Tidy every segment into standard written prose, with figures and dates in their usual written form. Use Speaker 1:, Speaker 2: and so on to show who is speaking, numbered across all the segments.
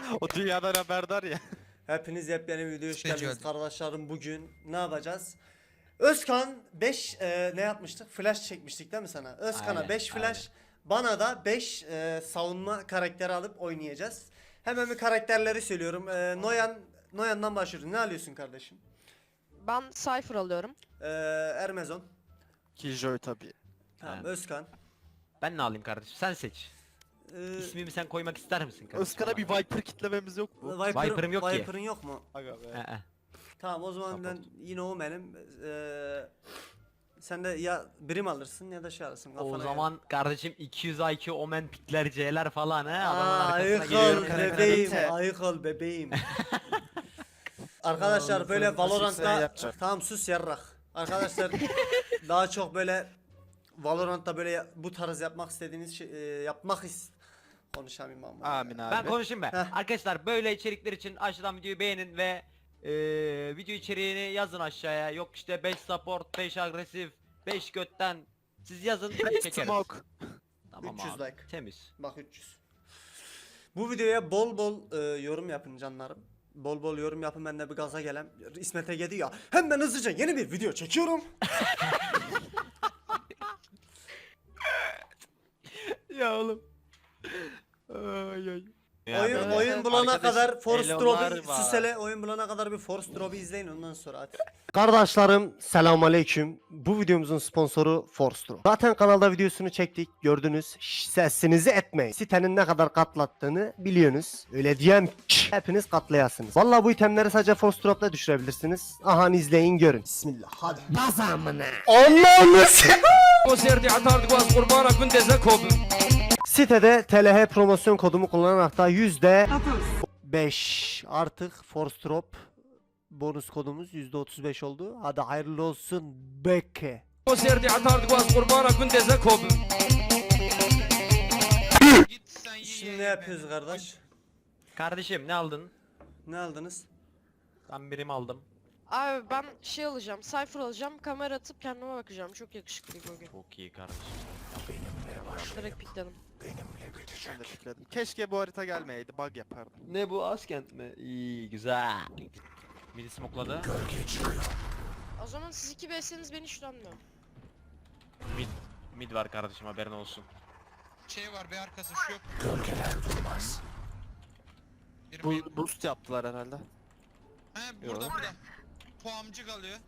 Speaker 1: O dünyadan haberdar ya.
Speaker 2: Hepiniz yepyeni bir videoya hoş
Speaker 3: Peki,
Speaker 2: geldiniz
Speaker 3: hadi.
Speaker 2: kardeşlerim. Bugün ne yapacağız? Özkan 5 ne yapmıştık? Flash çekmiştik değil mi sana? Özkan'a
Speaker 4: Aynen,
Speaker 2: 5 flash, bana da 5 savunma karakteri alıp oynayacağız. Hemen bir karakterleri söylüyorum. Noyan'dan başlıyoruz. Ne alıyorsun kardeşim?
Speaker 5: Ben Cypher alıyorum.
Speaker 2: Ermezon.
Speaker 1: Killjoy tabii.
Speaker 2: Tamam,
Speaker 4: Evet.
Speaker 2: Özkan.
Speaker 4: Ben ne alayım kardeşim? Sen seç. İsmimi sen koymak ister misin kardeşim?
Speaker 1: Özkan'a bir Viper kitlememiz yok mu?
Speaker 4: Viper'ım yok ki.
Speaker 2: Viper'ın yok mu?
Speaker 1: Aga be.
Speaker 4: Ee,
Speaker 2: Tamam, o zaman ben yine o benim. Sen de ya birim alırsın ya da şey alırsın.
Speaker 4: o
Speaker 2: kafana
Speaker 4: zaman kardeşim 200 IQ Omen pikler C'ler falan he.
Speaker 2: göre.
Speaker 4: Adamın
Speaker 2: Aa,
Speaker 4: arkasına
Speaker 2: ayık ol
Speaker 4: geliyorum.
Speaker 2: bebeğim,
Speaker 1: Kalite.
Speaker 2: ayık ol bebeğim. Arkadaşlar böyle
Speaker 1: sen
Speaker 2: Valorant'ta
Speaker 1: yapacak.
Speaker 2: tamam sus yarrak. Arkadaşlar daha çok böyle Valorant'ta böyle bu tarz yapmak istediğiniz şey konuşamayayım ama.
Speaker 1: Amin abi.
Speaker 4: Ben konuşayım ben.
Speaker 2: Heh.
Speaker 4: Arkadaşlar böyle içerikler için aşağıdan videoyu beğenin ve video içeriğini yazın aşağıya. Yok işte 5 support, 5 agresif, 5 götten. Siz yazın çekeriz.
Speaker 1: Smoke.
Speaker 4: Tamam
Speaker 2: 300
Speaker 4: abi.
Speaker 2: like.
Speaker 4: Temiz.
Speaker 2: Bak 300. Bu videoya bol bol yorum yapın canlarım. Bol bol yorum yapın, ben de bir gaza gelen İsmet Ege diyor ya. Hemen hızlıca yeni bir video çekiyorum.
Speaker 4: Ya oğlum. Ay ay.
Speaker 2: Oyun bulana
Speaker 1: Arkadaş,
Speaker 2: kadar Force
Speaker 1: Elonlar
Speaker 2: Drop'u
Speaker 1: var.
Speaker 2: Susele oyun bulana kadar bir Force Drop'u izleyin, ondan sonra hadi. Kardeşlerim selamünaleyküm. Bu videomuzun sponsoru Force Drop. Zaten kanalda videosunu çektik, gördünüz. Sesinizi etmeyin. Sitenin ne kadar katlattığını biliyorsunuz. Öyle diyem ki hepiniz katlayasınız. Vallahi bu itemleri sadece Force Drop'la düşürebilirsiniz. Aha, izleyin görün. Bismillah hadi. Bazamına. Allah'ım. Sitede TLH promosyon kodumu kullanarak da %5 artık Force Drop bonus kodumuz %35 oldu. Hadi hayırlı olsun Beke.
Speaker 3: Git sen ye.
Speaker 2: Şimdi ne yapıyoruz kardeş?
Speaker 4: Kardeşim ne aldın?
Speaker 2: Ne aldınız?
Speaker 4: Ben birim aldım.
Speaker 5: Abi ben şey alacağım, Cypher alacağım, kamera atıp kendime bakacağım. Çok yakışıklıyım bugün.
Speaker 4: Çok iyi kardeşim.
Speaker 5: Direkt pikledim.
Speaker 1: Ben de pikledim. Keşke bu harita gelmeyeydi. Bug yapardım.
Speaker 4: Ne bu Askent mi? İyi güzel. Biri smokladı.
Speaker 5: O zaman siz 2 BS'niz beni hiç dönmüyor.
Speaker 4: Mid var kardeşim, haberin olsun.
Speaker 3: Şey var bir arkası şu yok. Gölgeler durmaz.
Speaker 1: Bu boost yaptılar herhalde.
Speaker 3: He burada burada. Puamcı kalıyor.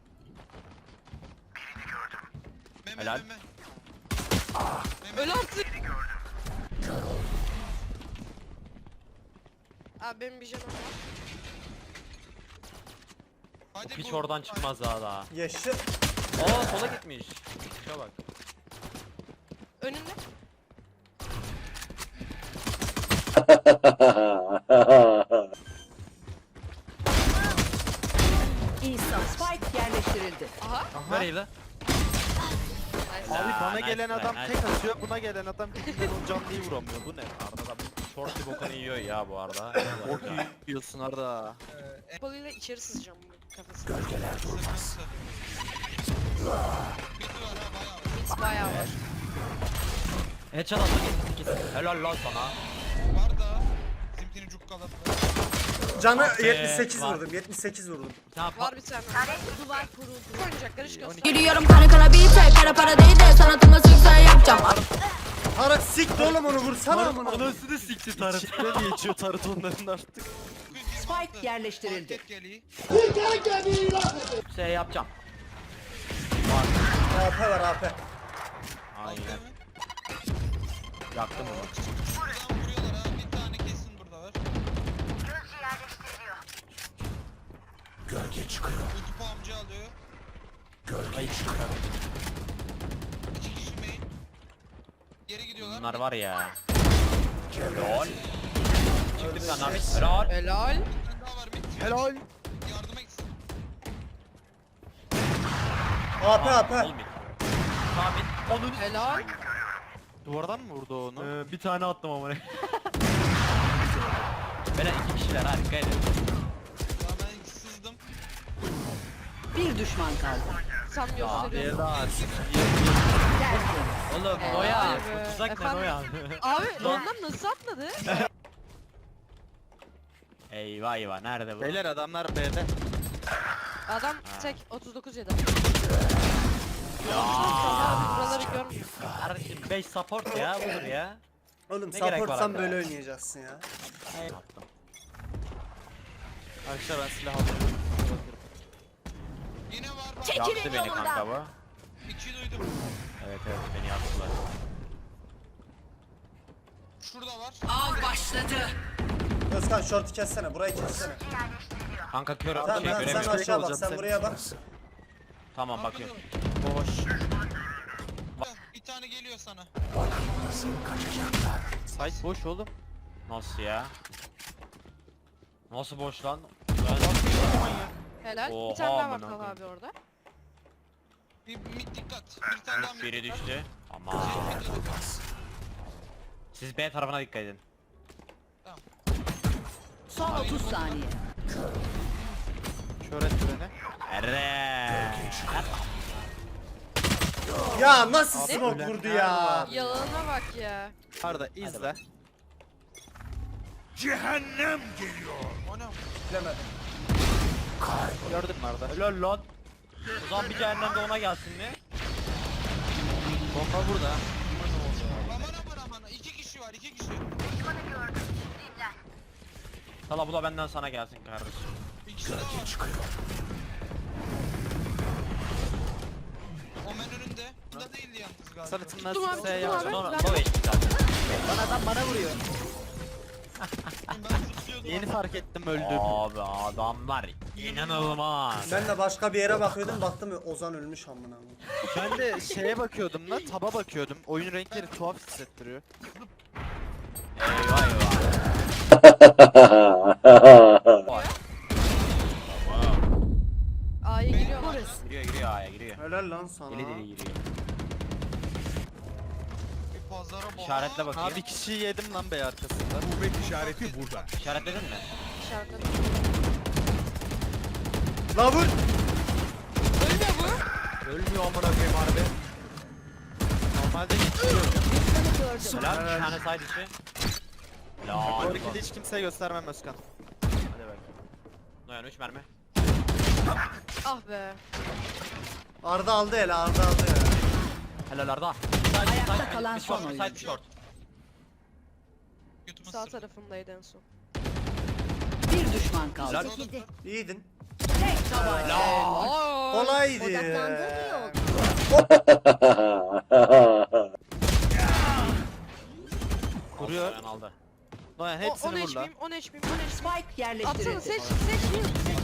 Speaker 3: Meme
Speaker 4: Helal.
Speaker 3: meme.
Speaker 5: Öl artık! Abi benim bir canım var.
Speaker 3: Hadi
Speaker 4: Hiç
Speaker 3: bu-
Speaker 4: oradan çıkmaz daha.
Speaker 2: Yaşa.
Speaker 4: Aa sola gitmiş. Şuna bak.
Speaker 5: Önünde.
Speaker 6: İsa Spike yerleştirildi.
Speaker 5: Aha.
Speaker 4: Nereydi?
Speaker 5: Nice.
Speaker 1: Abi bana
Speaker 4: nice
Speaker 1: gelen
Speaker 4: try,
Speaker 1: adam
Speaker 4: nice
Speaker 1: tek
Speaker 4: try.
Speaker 1: atıyor, buna gelen adam dibinden 10 canlıyı vuramıyor. Bu ne?
Speaker 4: Arda da bu shorty bokunu yiyor ya bu arada.
Speaker 1: Çok iyi yiyorsun Arda.
Speaker 5: Balıyla içeri sızacağım bu kafasına.
Speaker 3: Sıkıntı. Midi var ha bayağı.
Speaker 5: Mid bayağı var.
Speaker 4: Headshot attı kesin. Helal lan sana.
Speaker 3: Var da. Bizimkini cukkaladı.
Speaker 2: Canı
Speaker 4: Ah be,
Speaker 2: 78
Speaker 4: var.
Speaker 2: vurdum. 78 vurdum.
Speaker 4: Bir tane
Speaker 5: Var bir tane.
Speaker 6: Duvar kuruldu.
Speaker 5: Oynayacaklar hiç göster.
Speaker 6: Giriyorum kara kara beat'e kara para değil de sanatıma sükse yapacağım.
Speaker 2: Tarık sikti oğlum, onu vursana amına.
Speaker 4: Anasını sikti tarıt.
Speaker 1: İçine de geçiyor tarıt onların artık.
Speaker 6: Spike yerleştirildi.
Speaker 3: Market geliyor.
Speaker 4: Şey yapacağım.
Speaker 2: AP var AP.
Speaker 4: Aynen. Yaktım onu.
Speaker 3: Buradan vuruyorlar ha. Bir tane kesin burada var. Gölge çıkıyor. Ulti puamcı alıyor. İki kişi main. Geri gidiyorlar.
Speaker 4: Bunlar var ya. Lol. Çıktık lan Hamit. Helal.
Speaker 5: Helal.
Speaker 3: Bir tane daha var mid.
Speaker 1: Helal.
Speaker 3: Yardıma gitsin.
Speaker 2: AP AP.
Speaker 4: Olmuyor. Hamit. Onun
Speaker 5: Helal.
Speaker 1: Duvardan mı vurdu onu?
Speaker 4: bir tane attım ama. Beyler iki kişiler ha, dikkat edin.
Speaker 3: Ya ben sızdım.
Speaker 6: Bir düşman kaldı.
Speaker 5: Sen gösteriyorsun.
Speaker 1: daha
Speaker 4: Oğlum
Speaker 5: Helal
Speaker 4: Noya.
Speaker 5: be.
Speaker 4: Tuzak ne
Speaker 5: Efendim?
Speaker 4: Noya?
Speaker 5: Abi ondan nasıl atladı?
Speaker 4: Eyvah eyvah nerede bu?
Speaker 1: Beyler adamlar B'de.
Speaker 5: Adam tek 39 yedi.
Speaker 4: Ya.
Speaker 5: Buraları görmüyor.
Speaker 4: Kardeşim 5 support ya budur ya.
Speaker 2: Oğlum
Speaker 4: Ne gerek var
Speaker 2: supportsan
Speaker 4: abi
Speaker 2: böyle
Speaker 4: ya?
Speaker 2: oynayacaksın ya.
Speaker 4: Yaptım.
Speaker 1: Arkadaşlar ben silah alıyorum.
Speaker 3: Yine var bak.
Speaker 6: Çekilin
Speaker 4: Yaktı beni
Speaker 6: yolumdan.
Speaker 4: kanka bu.
Speaker 3: 2 duydum.
Speaker 4: Evet beni yaktılar.
Speaker 3: Şurada var.
Speaker 2: Özkan short'u kessene, burayı kessene.
Speaker 4: Kanka kör
Speaker 2: Tamam
Speaker 4: şey
Speaker 2: sen
Speaker 4: göremiyorum.
Speaker 2: aşağı bak,
Speaker 1: olacağım
Speaker 2: sen
Speaker 1: seni.
Speaker 2: buraya bak.
Speaker 4: Tamam bakıyorum.
Speaker 1: Boş.
Speaker 3: Bir tane geliyor sana.
Speaker 1: Site boş oğlum.
Speaker 4: Nasıl ya? Nasıl boş lan?
Speaker 5: Helal.
Speaker 4: Oha,
Speaker 5: Bir tane daha var
Speaker 4: amına
Speaker 5: Talha
Speaker 4: koyayım.
Speaker 5: abi orada.
Speaker 3: Bir mid dikkat. Bir tane daha mid.
Speaker 4: Biri düştü. Ama
Speaker 3: Mid'e dikkat.
Speaker 4: siz B tarafına dikkat edin.
Speaker 6: Son 30 saniye.
Speaker 1: Kör et beni.
Speaker 4: Ere.
Speaker 2: Ya nasıl
Speaker 1: Abi
Speaker 2: smoke
Speaker 1: ölenler
Speaker 2: vurdu ya?
Speaker 1: var.
Speaker 5: Yalanına bak ya.
Speaker 1: Arda izle.
Speaker 4: bak.
Speaker 3: O ne?
Speaker 2: Bilemedim.
Speaker 1: Gördün mü Arda?
Speaker 4: Helal lan. O zaman bir cehennemde ona gelsin mi?
Speaker 1: Bomba burada.
Speaker 3: Aman. 2 kişi var 2 kişi.
Speaker 4: Sala bu da benden sana gelsin kardeşim.
Speaker 3: İkisi de var. Omen önünde. Bunda değildi yalnız galiba.
Speaker 1: Sanatımdan
Speaker 5: Tuttum abi,
Speaker 1: kimseye
Speaker 5: tuttum
Speaker 1: yapacağım.
Speaker 5: abi.
Speaker 4: Sonra no HP zaten.
Speaker 1: Lan adam bana vuruyor.
Speaker 3: Ben tutuyordum.
Speaker 1: Yeni fark ettim öldüm.
Speaker 4: Abi adamlar inanılmaz.
Speaker 2: Ben de başka bir yere bakıyordum, baktım Ozan ölmüş amına.
Speaker 1: Ben de şeye bakıyordum lan, taba bakıyordum. Oyun renkleri tuhaf hissettiriyor.
Speaker 4: Eyvah eyvah.
Speaker 5: A'ya giriyorlar.
Speaker 4: Giriyor A'ya giriyor.
Speaker 2: Helal lan sana.
Speaker 4: Deli deli giriyor.
Speaker 3: Bir pazara bak.
Speaker 4: İşaretle bakayım.
Speaker 1: Ha bir kişiyi yedim lan bey arkasında.
Speaker 4: İşaretledin mi?
Speaker 5: İçeride.
Speaker 2: La vur.
Speaker 5: Ölmüyor bu.
Speaker 1: Ölmüyor amına koyayım harbi. Normalde geçiyor.
Speaker 4: Helal bir tane side içi. Helal.
Speaker 1: Oradaki hiç kimseye göstermem Özkan.
Speaker 4: Hadi bakayım. Noyan 3 mermi.
Speaker 5: Ah be.
Speaker 2: Arda aldı hele, Arda aldı ya.
Speaker 4: Helal Arda.
Speaker 6: Ayakta kalan
Speaker 4: Bir short,
Speaker 6: son
Speaker 4: side
Speaker 6: oyuncu.
Speaker 4: short.
Speaker 3: Götüme
Speaker 5: Sağ
Speaker 3: sırtı.
Speaker 5: tarafındaydı en son.
Speaker 6: Bir düşman kaldı.
Speaker 4: Helal.
Speaker 2: İyiydin.
Speaker 6: Tek tabanca.
Speaker 5: Aa,
Speaker 2: Kolaydı.
Speaker 1: Vuruyor.
Speaker 4: Noyan aldı.
Speaker 1: Noyan
Speaker 5: 10
Speaker 1: hepsini vur lan.
Speaker 5: HP'yim, 10 HP'yim, 10 HP'yim.
Speaker 6: Spike
Speaker 5: Atsana
Speaker 6: yerleştirildi.
Speaker 5: seç, heal.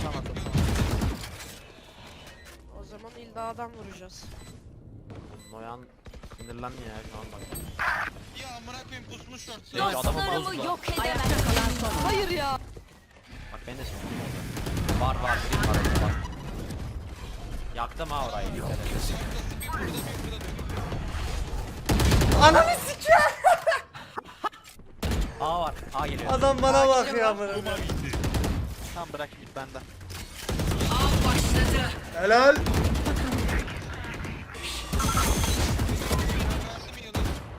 Speaker 5: O zaman illa adam vuracağız.
Speaker 4: Noyan sinirlendi ya şu an bak.
Speaker 3: Ya amına koyayım pusmuş short.
Speaker 4: Ya adamı bozdu.
Speaker 6: Ayakta kalan son oyuncu.
Speaker 5: Hayır ya.
Speaker 4: Bak ben de sinirlendim. Var bir var orada var. Yaktım ha orayı. Dikkat et.
Speaker 2: Ananı sikiyor.
Speaker 4: A var. A geliyor.
Speaker 2: Adam bana bakıyor amına.
Speaker 1: Tamam bırak git benden.
Speaker 2: Helal.
Speaker 3: Verdim yılı.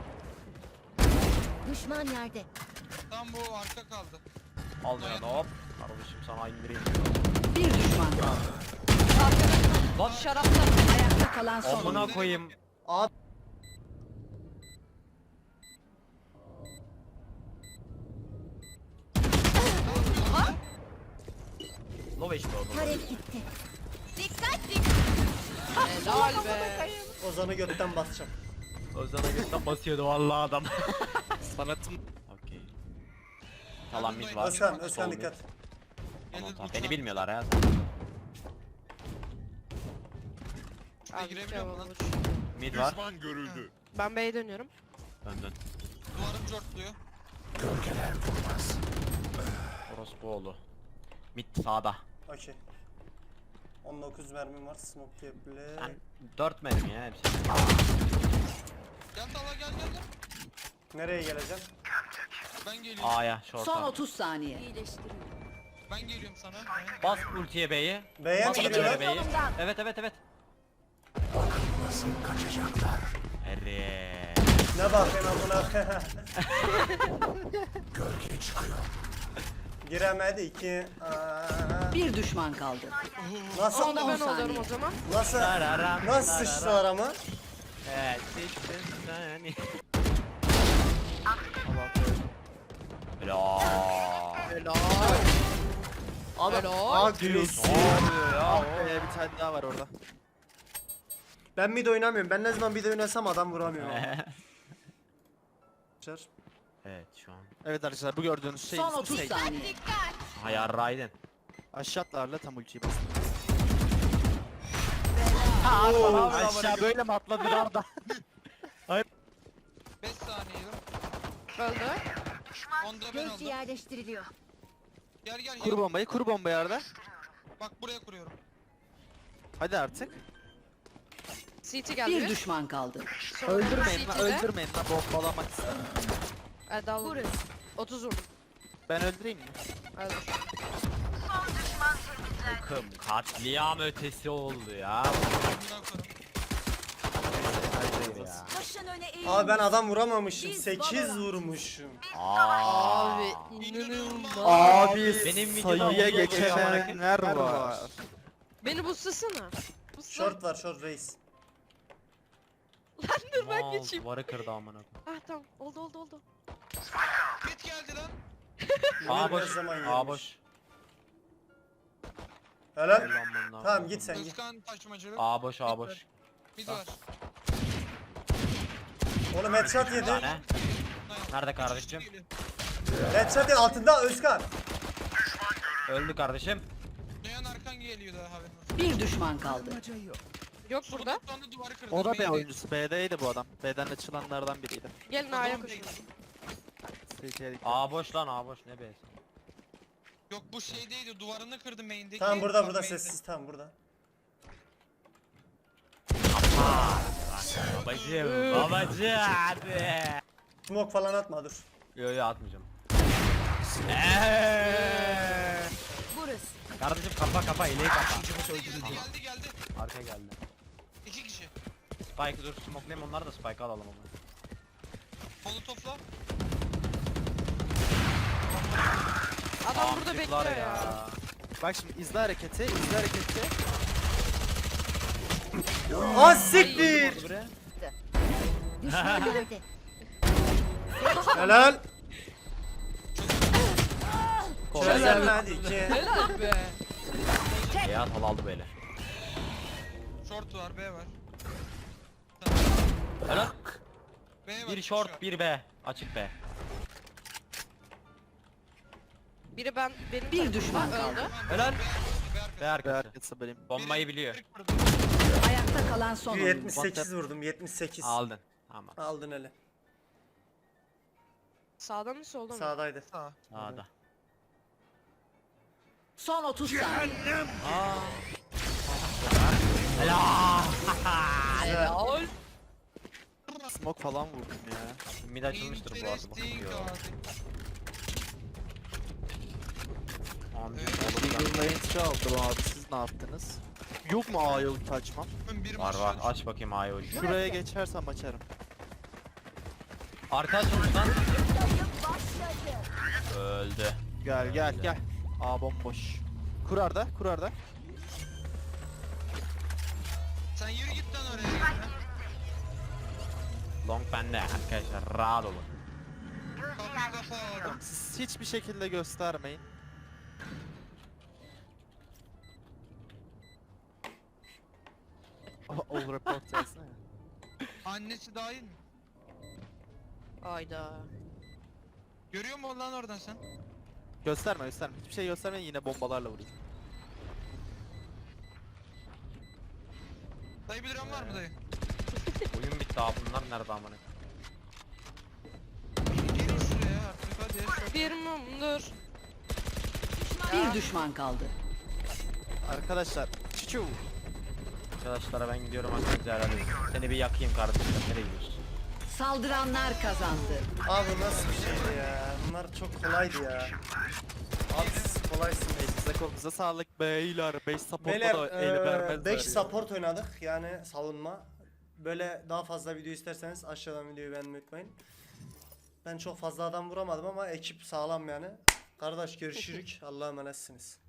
Speaker 7: Düşman yerde.
Speaker 3: Tam bu arka kaldı.
Speaker 4: Al Noyan hop. Kardeşim sana indireyim.
Speaker 6: Bir düşman kaldı.
Speaker 4: Lan
Speaker 5: Şarapta.
Speaker 6: Ayakta kalan son
Speaker 4: amına
Speaker 6: oyuncu.
Speaker 4: koyayım.
Speaker 2: Abi.
Speaker 4: Low HP oldu.
Speaker 7: Tarek gitti.
Speaker 5: Helal be.
Speaker 2: Ozan'ı götten basacağım.
Speaker 4: Özden'e götten basıyordu vallahi adam.
Speaker 1: Sanatım.
Speaker 4: Okey. Kalan mid var.
Speaker 2: Özkan,
Speaker 4: Sol
Speaker 2: Özkan
Speaker 4: mid.
Speaker 2: dikkat.
Speaker 4: Tamam,
Speaker 3: Gelir
Speaker 4: tamam.
Speaker 3: bu
Speaker 4: Beni
Speaker 3: saat.
Speaker 4: bilmiyorlar ya.
Speaker 5: Abi
Speaker 3: girebiliyor mu lan?
Speaker 4: Mid var.
Speaker 5: Ben B'ye dönüyorum.
Speaker 4: Dön.
Speaker 3: Duvarım cortluyor.
Speaker 4: Orospu oğlu. Mid sağda.
Speaker 2: Okey. 19 mermim var. Smoke diyebilir.
Speaker 4: Ben 4 mermi ya hepsi.
Speaker 3: Gel Talha gel.
Speaker 2: Nereye geleceğim?
Speaker 3: Ben geliyorum.
Speaker 4: A'ya
Speaker 6: Son
Speaker 4: short'a.
Speaker 6: 30 saniye.
Speaker 3: Ben geliyorum sana.
Speaker 4: Bas ultiye B'yi.
Speaker 2: B'ye mi
Speaker 4: Bas
Speaker 2: giriyorlar?
Speaker 4: ultiye B'yi. Evet. Ere.
Speaker 2: Ne bakıyorsun amına? Giremedi 2.
Speaker 7: Bir düşman kaldı.
Speaker 2: Nasıl
Speaker 5: Onda ben
Speaker 7: 10 saniye.
Speaker 5: oluyorum o zaman.
Speaker 2: nasıl
Speaker 4: Tararam,
Speaker 2: nasıl
Speaker 4: tararam.
Speaker 2: sıçtılar ama?
Speaker 4: Evet, sıçtın sen. Helal.
Speaker 2: Abi
Speaker 5: Helal.
Speaker 2: agresif.
Speaker 1: Ah be, bir tane daha var orada.
Speaker 2: Ben mid oynamıyorum. Ben ne zaman mid oynasam adam vuramıyor.
Speaker 4: Evet şu an.
Speaker 1: Evet arkadaşlar, bu gördüğünüz şey
Speaker 7: Son
Speaker 1: ismi
Speaker 7: 30
Speaker 1: Sage.
Speaker 7: saniye.
Speaker 4: Hayar Raiden.
Speaker 1: Aşağı atlarla tam ultiyi bastım.
Speaker 2: Oo.
Speaker 1: Aşağı böyle mi atladın Arda?
Speaker 3: 5 saniye yok.
Speaker 5: Öldü.
Speaker 3: Onda ben aldım.
Speaker 7: yerleştiriliyor.
Speaker 3: Gel gel
Speaker 1: Kur
Speaker 3: gel.
Speaker 1: bombayı, kur bombayı Arda.
Speaker 3: Bak buraya kuruyorum.
Speaker 1: Hadi artık.
Speaker 5: CT geldi.
Speaker 7: Bir düşman kaldı.
Speaker 5: Sonra
Speaker 1: Öldürmeyin lan,
Speaker 5: CT 'de.
Speaker 1: öldürmeyin lan, bombalamak istedim.
Speaker 5: Erdal vurdu. 30 vurdum.
Speaker 1: Ben öldüreyim mi?
Speaker 5: Öldür.
Speaker 4: Takım katliam ötesi oldu ya.
Speaker 3: Bundan kurum.
Speaker 2: Abi ben adam vuramamışım. 8 vurmuşum.
Speaker 5: Abi
Speaker 3: İnanılmaz.
Speaker 1: Abi
Speaker 4: Benim videoda
Speaker 1: sayıya
Speaker 4: olduğu
Speaker 1: geçenler var.
Speaker 5: beni boostlasana. Boostla.
Speaker 2: Short var short reis.
Speaker 5: Dur ben geçeyim.
Speaker 4: Duvarı kırdı amına koyayım.
Speaker 5: Ah tamam oldu.
Speaker 3: Mid geldi lan.
Speaker 4: A
Speaker 2: Yemin
Speaker 4: boş.
Speaker 2: her zaman
Speaker 4: A
Speaker 2: yemiş.
Speaker 4: boş.
Speaker 2: Helal.
Speaker 4: Ulan bundan
Speaker 2: Tamam
Speaker 4: sonra.
Speaker 2: git sen git.
Speaker 3: Özkan taşımacılık.
Speaker 4: A boş A boş.
Speaker 3: Mid var.
Speaker 2: Oğlum headshot yedi.
Speaker 4: Ne? Nerede kardeşim?
Speaker 2: Headshot yedi altında Özkan.
Speaker 4: Öldü kardeşim.
Speaker 3: Duyan arkan geliyor daha haberin olsun.
Speaker 7: Bir düşman kaldı.
Speaker 5: Yok burada.
Speaker 3: Son anda duvarı kırdı.
Speaker 1: O da B
Speaker 3: Main'de.
Speaker 1: oyuncusu. B'deydi bu adam. B'den açılanlardan biriydi.
Speaker 5: Gelin A'ya koşun.
Speaker 4: A boş lan A boş ne be?
Speaker 3: Yok bu şey değildi, duvarını kırdı main'deki.
Speaker 2: Tamam burada
Speaker 3: Bak
Speaker 2: burada
Speaker 3: main'de.
Speaker 2: sessiz tamam burada.
Speaker 4: Babacım babacım hadi.
Speaker 2: Smoke falan atma dur.
Speaker 4: Yo atmayacağım.
Speaker 7: Burası.
Speaker 4: Kardeşim kapa ileyi kapa.
Speaker 3: Geldi.
Speaker 4: Arka geldi.
Speaker 3: 2 kişi.
Speaker 4: Spike dur smokelayayım onları da spike alalım ama.
Speaker 3: Molotofla.
Speaker 5: Adam burada
Speaker 4: Amcıklar
Speaker 5: bekliyor ya.
Speaker 1: Bak şimdi izle hareketi, izle hareketi.
Speaker 2: Az siktir.
Speaker 4: Buraya.
Speaker 7: Düşman nerede?
Speaker 2: Helal.
Speaker 4: Kolay
Speaker 2: Çözemedi 2.
Speaker 5: Helal be.
Speaker 4: Ya tal aldı böyle.
Speaker 3: Short var, B var.
Speaker 4: Helal.
Speaker 3: B var.
Speaker 4: Bir
Speaker 3: iki
Speaker 4: short
Speaker 3: kişi var.
Speaker 4: bir B. Açık B.
Speaker 5: Biri benim
Speaker 7: Bir
Speaker 5: tarafımda
Speaker 7: düşman
Speaker 5: öldü.
Speaker 7: kaldı.
Speaker 4: Helal.
Speaker 3: B arkası.
Speaker 4: B
Speaker 1: B
Speaker 4: arkası.
Speaker 1: arkası benim.
Speaker 4: Bombayı biliyor.
Speaker 3: Biri kırdı.
Speaker 7: Ayakta kalan son oyuncu.
Speaker 2: 78 vurdum 78.
Speaker 4: Aldın. Tamam.
Speaker 2: Aldın hele.
Speaker 5: Sağdan mı soldan mı?
Speaker 2: Sağdaydı.
Speaker 3: Sağ.
Speaker 4: Sağda.
Speaker 7: Son 30 saniye.
Speaker 4: Helal.
Speaker 5: Helal.
Speaker 1: Smoke falan vurdum ya.
Speaker 4: Mid açılmıştır bu arada
Speaker 3: Interesting
Speaker 4: bakıyor.
Speaker 3: abi.
Speaker 4: Amca
Speaker 1: Eagle Range'i aldım abi, siz ne yaptınız? Yok mu A'ya ulti açmam?
Speaker 3: Bir
Speaker 4: var
Speaker 3: maç
Speaker 4: var aç bakayım A'yı ucu.
Speaker 1: Şuraya geçersem açarım.
Speaker 4: Arka açılmış lan. Öldü.
Speaker 1: Gel. A bomboş. Kur Arda, kur Arda.
Speaker 3: Sen yürü git lan oraya.
Speaker 4: Long bende arkadaşlar rahat olun.
Speaker 3: Kapıyı kafa aldım.
Speaker 1: Siz hiçbir şekilde göstermeyin. All report yazsana ya.
Speaker 3: Annesi dahil mi?
Speaker 5: Ayda.
Speaker 3: Görüyor musun lan oradan sen?
Speaker 1: Gösterme. Hiçbir şey göstermeyin, yine bombalarla vurayım.
Speaker 3: Dayı bir liram var mı dayı?
Speaker 4: Oyun bitti abi bunlar nerede amına?
Speaker 3: Gelin şuraya artık hadi. Short.
Speaker 5: Bir mumdur.
Speaker 7: Bir düşman kaldı.
Speaker 1: Arkadaşlar. Çuçu.
Speaker 4: Arkadaşlara ben gidiyorum arkadaşlar herhalde. Seni bir yakayım kardeşim. Nereye gidiyorsun?
Speaker 7: Saldıranlar kazandı.
Speaker 2: Abi nasıl bir şeydi ya? Bunlar çok kolaydı ya. Abi siz kolaysınız.
Speaker 1: Elinize kolunuza sağlık beyler. 5 support'a
Speaker 2: Beyler
Speaker 1: da el vermezler
Speaker 2: 5
Speaker 1: ya.
Speaker 2: support oynadık yani savunma. Böyle daha fazla video isterseniz aşağıdan videoyu beğenmeyi unutmayın. Ben çok fazla adam vuramadım ama ekip sağlam yani. Kardeş görüşürük. Allah'a emanetsiniz.